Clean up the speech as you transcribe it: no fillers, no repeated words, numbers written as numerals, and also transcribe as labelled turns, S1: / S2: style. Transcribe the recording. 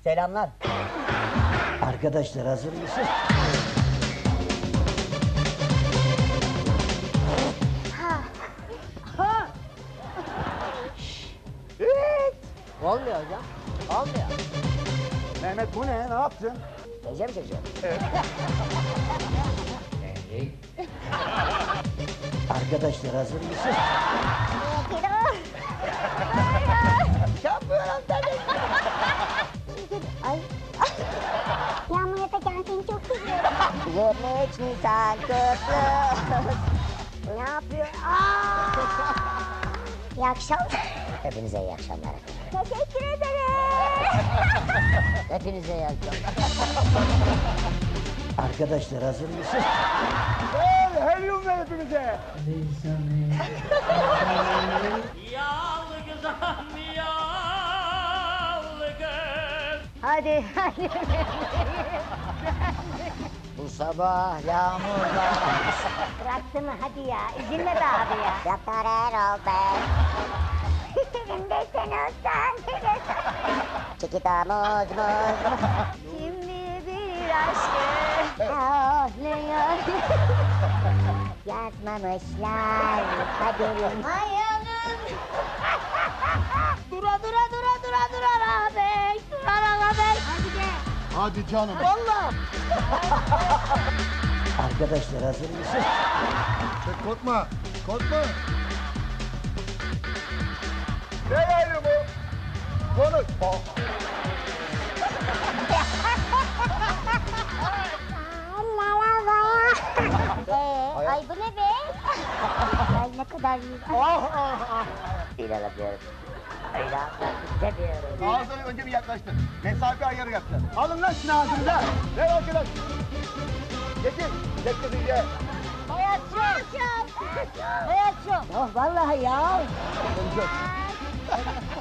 S1: Selamlar.
S2: Arkadaşlar hazır mısın?
S1: Olmuyor hocam. Olmuyor.
S3: Mehmet bu ne? Ne yaptın?
S1: Gece mi çekeceğim?
S2: Arkadaşlar hazır mısın?
S1: Yapıyorum tabii.
S4: Ay. Yağmur Atakan seni çok seviyorum.
S1: 23 Nisan kutlu. Ne yapıyor?
S4: İyi akşamlar.
S1: Hepinize iyi akşamlar.
S4: Teşekkür ederim.
S1: Hepinize iyi akşamlar.
S2: Arkadaşlar hazır mısın?
S3: Helyum ver hepimize.
S5: Yalgızam yalgız.
S4: Hadi hadi.
S1: Bu sabah yağmurda.
S4: Bıraktı mı hadi ya. Üzülme be abi ya.
S1: Doktor Erol Bey.
S4: Elimde sen olsan.
S1: Çikita muz muz.
S4: Şimdi bir aşkı ağlıyor.
S1: Yazmamışlar kaderim.
S4: Hayalım. Dura ağabey. Dura ağabey. Hadi gel.
S3: Hadi canım.
S1: Vallahi.
S2: Arkadaşlar hazır mısın?
S3: Korkma. Korkma. Ver helyumu. Konuş.
S4: Ay bu ne be? Ay ne kadar iyi.
S1: Değil alamıyorum. Öyle almak istemiyorum.
S3: Ağzını önce bir yaklaştır. Mesafe ayarı yaptın. Alın lan şunu ağzınıza. Ver arkadaş. Getir. Getir iyice.
S4: Hayatım.
S1: Oh vallahi ya.